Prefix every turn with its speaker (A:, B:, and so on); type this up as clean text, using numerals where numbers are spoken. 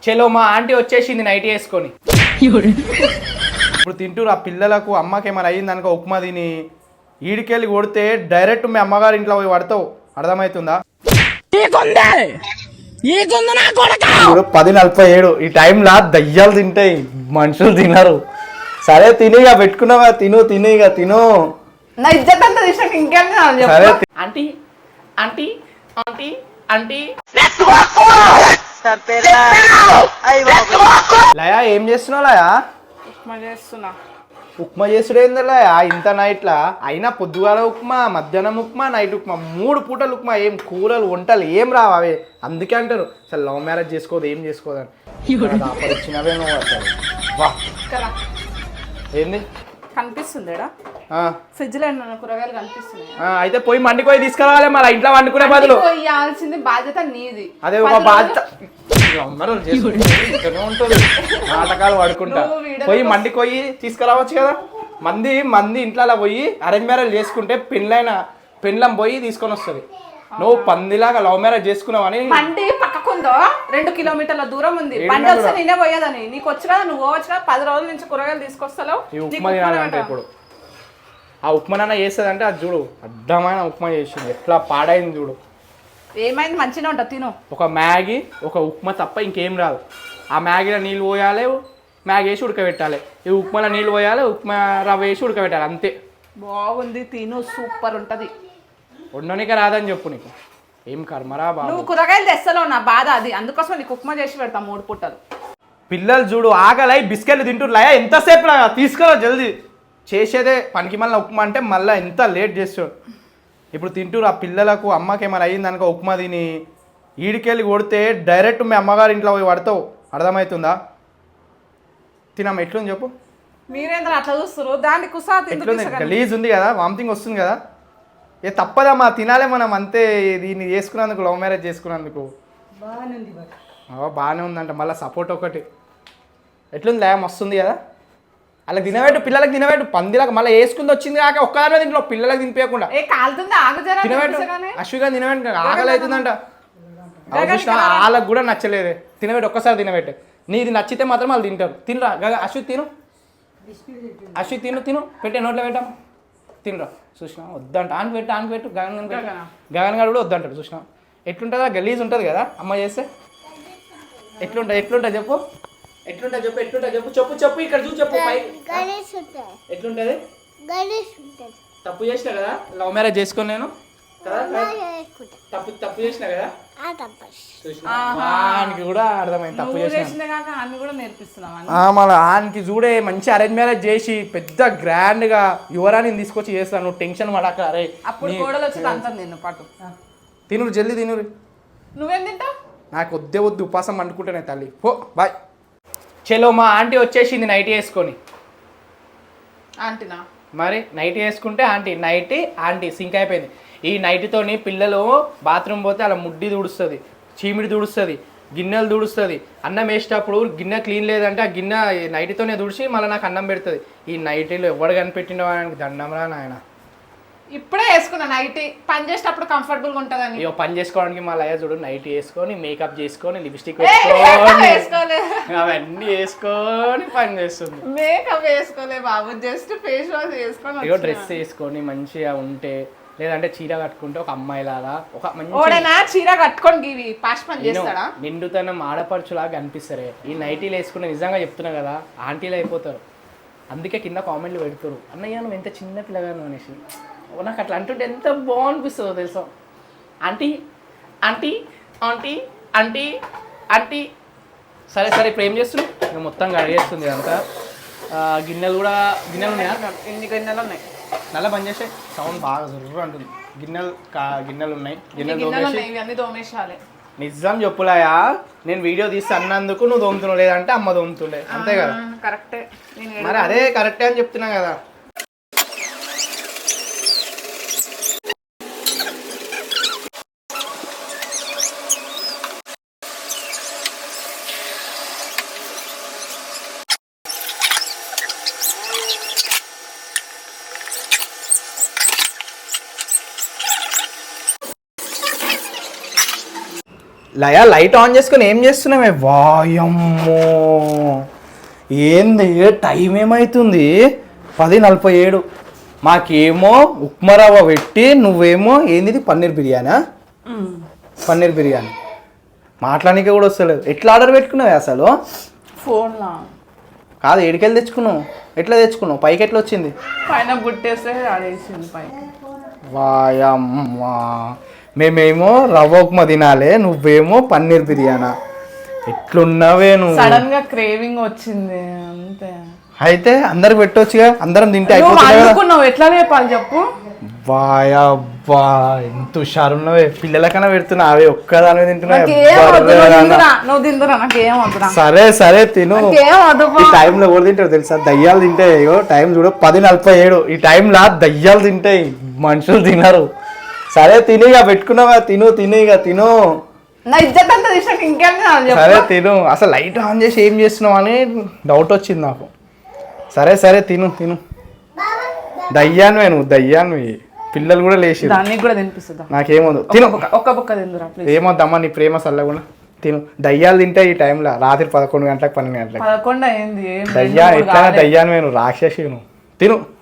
A: చలో మా ఆంటీ వచ్చేసింది నైట్ వేసుకొని. ఇప్పుడు తింటూరు ఆ పిల్లలకు అమ్మకి ఏమైనా అయ్యింది అనుకో ఉప్మా తిని ఈడికెళ్ళి కొడితే డైరెక్ట్ మీ అమ్మగారి ఇంట్లో పోయి పడతావు. అర్థమవుతుందా? 10:47 ఈ టైంలో దయ్యాలు తింటాయి, మనుషులు తినరు. సరే తినిగా పెట్టుకున్నావా, తిను తినిగా తిను.
B: నా ఇజ్జత్ అంతా తీసాక ఇంకేం
A: సరే
B: aunty aunty aunty aunty
A: Laya ఏం చేస్తున్నావు లయా?
B: ఉప్మా చేస్తున్నా.
A: ఉప్మా చేసుడు ఏంది లయా ఇంత నైట్లా? అయినా పొద్దుగాల ఉప్మా, మధ్యాహ్నం ఉప్మా, నైట్ ఉప్మా, 3 పూటలు ఉప్మా. ఏం కూరలు వంటలు ఏం రావు అవే. అందుకే అంటారు అసలు లవ్ మ్యారేజ్ చేసుకోదు ఏం చేసుకోదని. ఇచ్చినవే నువ్వు అసలు. వా ఏంది
B: కనిపిస్తుంది ఫ్రిడ్జ్ లో కూరగాయలు కనిపిస్తున్నాయి.
A: అయితే పోయి మండికి పోయి తీసుకురావాలి. మళ్ళీ ఇంట్లో వండుకునే బదులు
B: ఇవ్వాల్సింది బాధ్యత నీది.
A: అదే ఒక బాధ్యత ఉంటుంది. నాటకాలు పడుకుంటా పోయి మండికి పోయి తీసుకురావచ్చు కదా. మంది ఇంట్లో అలా పోయి అరేంజ్ మ్యారేజ్ చేసుకుంటే పెళ్ళం పోయి తీసుకొని వస్తుంది. నువ్వు పందిలాగా లవ్ మ్యారేజ్ చేసుకున్నావని.
B: మండి పక్కకుందో 2 కిలోమీటర్ల దూరం ఉంది. బండి వస్తే నేనే పోయేదని. నీకు వచ్చు కదా, నువ్వు పోవచ్చు కదా. 10 రోజుల నుంచి కూరగాయలు తీసుకొస్తావు.
A: ఈ ఉప్మా తినాలంటే ఇప్పుడు ఆ ఉప్మా నాన్న చేస్తుంది అంటే అది చూడు అడ్డమైన ఉప్మా చేసింది. ఎట్లా పాడైంది చూడు.
B: ఏమైంది? మంచిగా ఉంటుంది తిను.
A: ఒక మ్యాగీ ఒక ఉప్మా తప్ప ఇంకేం రాదు. ఆ మ్యాగీలో నీళ్ళు పోయాలి, మ్యాగీ వేసి ఉడకబెట్టాలి. ఈ ఉప్మాలో నీళ్ళు పోయాలి, ఉప్మా రవ్వ వేసి ఉడకబెట్టాలి, అంతే.
B: బాగుంది తిను, సూపర్ ఉంటుంది.
A: ఉండనిక రాదని చెప్పు. నీకు ఏం కర్మరా బాబు.
B: నువ్వు కూరగాయలు తెస్తలేవు, నా బాధ అది. అందుకోసం నీకు ఉప్మా చేసి పెడతాం 3 పూటలు.
A: పిల్లలు చూడు ఆకలై బిస్కెట్లు తింటున్నాయా? ఎంతసేపు లాగా తీసుకురా జల్దీ. చేసేదే పనికి మళ్ళీ ఉప్మా అంటే మళ్ళీ ఎంత లేట్ చేస్తాడు. ఇప్పుడు తింటూరు ఆ పిల్లలకు అమ్మకి ఏమైనా అయ్యింది అనుకో ఉప్మా తిని ఈడికెళ్ళి కొడితే డైరెక్ట్ మీ అమ్మగారి ఇంట్లో పోయి పడతావు. అర్థమవుతుందా? తినమ్మ ఎట్లుంది చెప్పు.
B: మీరేంద్ర అట్లా చూస్తారు? దాన్ని కుసా
A: గలీజ్ ఉంది కదా, వామిటింగ్ వస్తుంది కదా. ఏ తప్పదమ్మా తినాలే మనం, అంతే. దీన్ని చేసుకున్నందుకు లవ్ మ్యారేజ్ చేసుకున్నందుకు బాగానే ఉందంట. మళ్ళీ సపోర్ట్ ఒకటి ఎట్లుంది లయం వస్తుంది కదా. అలా తినబెట్టు, పిల్లలకి తినబెట్టు. పందిలాగా మళ్ళీ వేసుకుంది వచ్చింది కాక ఒక్కదాని దీంట్లో పిల్లలకి తినిపించకుండా తినబెట్టు. అశ్విగా తినబెట్టు, ఆకలి అవుతుందంట. వాళ్ళకు కూడా నచ్చలేదే. తినబెట్టు, ఒక్కసారి తినబెట్టు. నీది నచ్చితే మాత్రం వాళ్ళు తింటారు. తినరా అశ్వి తిను, అశ్వి తిను పెట్టే నోట్లో పెట్టాం తినరా. చూసినా వద్దంట. ఆన్ పెట్టు గగన్ గారు కూడా వద్దంటాడు. చూసినా ఎట్లుంటుందా? గలీజ్ ఉంటుంది కదా అమ్మ చేస్తే. ఎట్లుంటుంది చెప్పు. ఎట్లుంటుంది చెప్పు ఇక్కడ చూసి చెప్పు. ఎట్లుంటుంది? తప్పు చేసిన కదా లవ్ మ్యారేజ్ చేసుకొని నేను తప్పు చేసిన కదా. ఆయనకి కూడా అర్థమైంది తప్పు చేసిన. మళ్ళీ ఆయనకి చూడే మంచి అరేంజ్ మ్యారేజ్ చేసి పెద్ద గ్రాండ్ గా యువరాణిని తీసుకొచ్చి చేస్తాను. నువ్వు టెన్షన్ పడక. అరే తినురు జల్దీ తినురు.
B: నువ్వేం తింటావు?
A: నాకు వద్దు ఉపాసం అనుకుంటానే తల్లి. పో బాయ్. చలో మా ఆంటీ వచ్చేసింది నైట్ వేసుకొని.
B: ఆంటీనా?
A: మరి నైట్ వేసుకుంటే ఆంటీ సింక్ అయిపోయింది. ఈ నైట్తోని పిల్లలు బాత్రూమ్ పోతే అలా ముడ్డి తుడుస్తుంది, చీమిడి తుడుస్తుంది, గిన్నెలు తుడుస్తుంది. అన్నం వేసేటప్పుడు గిన్నె క్లీన్ లేదంటే ఆ గిన్నె నైట్తోనే తుడిచి మళ్ళీ నాకు అన్నం పెడుతుంది. ఈ నైటీలో ఎవడు కనిపెట్టిన వానికి దండంరా నాయన.
B: ఇప్పుడే వేసుకున్నా నైటీ. పని చేసేటప్పుడు కంఫర్టబుల్గా ఉంటుందని.
A: ఇక పని చేసుకోవడానికి మళ్ళీ అయ్యా చూడు నైటీ వేసుకొని మేకప్ చేసుకొని లిప్స్టిక్ వేసుకొని అవన్నీ వేసుకొని పని చేస్తుంది.
B: మేకప్ వేసుకోలే బాబు, జస్ట్ ఫేస్ వాష్ వేసుకొని
A: ఇగో డ్రెస్ వేసుకొని మంచిగా ఉంటే, లేదంటే చీర కట్టుకుంటే ఒక అమ్మాయి లాగా ఒక మంచి
B: చీర కట్టుకొని పాష్ పని చేస్తాడా?
A: నిండుతనం ఆడపడుచులాగా కనిపిస్తారే ఈ నైటీలు వేసుకుని. నిజంగా చెప్తున్నా కదా ఆంటీలు అయిపోతారు. అందుకే కింద కామెంట్లు పెడతారు, అన్నయ్య నువ్వు ఎంత చిన్న పిల్లగాను అనేసి. నాకు అట్లా అంటుంటే ఎంత బాగనిపిస్తుందో తెలుసా. Aunty aunty aunty aunty aunty. సరే ఇప్పుడు ఏం చేస్తున్నావు? ఇంకా మొత్తం కడిగేస్తుంది ఇదంతా. గిన్నెలు ఉన్నాయా?
B: ఎన్ని గిన్నెలు ఉన్నాయి?
A: నల్ల పని చేసే సౌండ్ బాగా జరుగు అంటుంది. గిన్నెలు ఉన్నాయి.
B: గిన్నెలు తోమేసాలి.
A: నిజం చెప్పులాయా, నేను వీడియో తీసి అన్నందుకు నువ్వు తోముతున్నావు, లేదంటే అమ్మ తోముతుండే. అంతే కదా?
B: కరెక్టే.
A: మరి అదే కరెక్టే అని చెప్తున్నా కదా. లైట్ ఆన్ చేసుకొని ఏం చేస్తున్నామే? వాయమ్మో ఏంది టైం ఏమవుతుంది? 10:47. మాకేమో ఉప్మా రవ్వ పెట్టి నువ్వేమో ఏంది పన్నీర్ బిర్యానా? పన్నీర్ బిర్యానీ మాట్లాడడానికి కూడా వస్తలేదు. ఎట్లా ఆర్డర్ పెట్టుకున్నావు అసలు?
B: ఫోన్లా
A: కాదు, ఏడికెళ్ళి తెచ్చుకున్నావు? ఎట్లా తెచ్చుకున్నావు? పైకి ఎట్లా వచ్చింది?
B: పైన గుట్టేస్తే ఆడేసింది పైకి.
A: వాయమ్మా, మేమేమో రవ్వ ఉప్మా తినాలి, నువ్వేమో పన్నీర్ బిర్యానా. ఎట్లున్నావే నువ్వు?
B: సడన్ గా క్రేవింగ్ వచ్చింది అంతే.
A: అయితే అందరు పెట్టొచ్చుగా, అందరం తింటే
B: నువ్వు
A: అయిపోతుంది కదా.
B: అనుకున్నావు, ఎట్లా చెప్పాలి చెప్పు?
A: వాయబ్బా ఎంత హుషారున్నావే. పిల్లలకన్నా పెడుతున్నా, అవి ఒక్కదాని తింటున్నా.
B: నాకేం వద్దు, నువ్వు తిందురా, నాకేం వద్దురా.
A: సరే సరే తిను.
B: నాకేం వద్దు.
A: ఈ టైంలో ఎవరు తింటారు తెలుసా? దయ్యాలు తింటాయి. ఇగో టైం చూడు 10:47. ఈ టైంలో దయ్యాలు తింటాయి, మనుషులు తినరు. సరే తినిగా, పెట్టుకున్నావా? తినిగా తిను.
B: నా ఇజ్జత్ అంతా తీసినాక ఇంకేం తినాలి చెప్పు?
A: సరే తిను. అసలు లైట్ ఆన్ చేసి ఏం చేస్తున్నావు అని డౌట్ వచ్చింది నాకు. సరే తిను. దయ్యాన్వే నువ్వు, దయ్యాన్వి. పిల్లలు కూడా లేచి
B: దానికి కూడా తినిపిస్తుందా?
A: నాకేమొద్దు, తిను.
B: ఒక్క బుక్క తిందురా ప్లీజ్.
A: ఏమొద్దమ్మా, నీ ప్రేమ సల్లకుండా తిను. దయ్యాలు తింటే ఈ టైంలో రాత్రి 11 గంటలకు 12 గంటలకు.
B: 11 అయింది.
A: దయ్యా ఎట్లా? దయ్యాన్వే నువ్వు, రాక్షసి నువ్వు. తిను.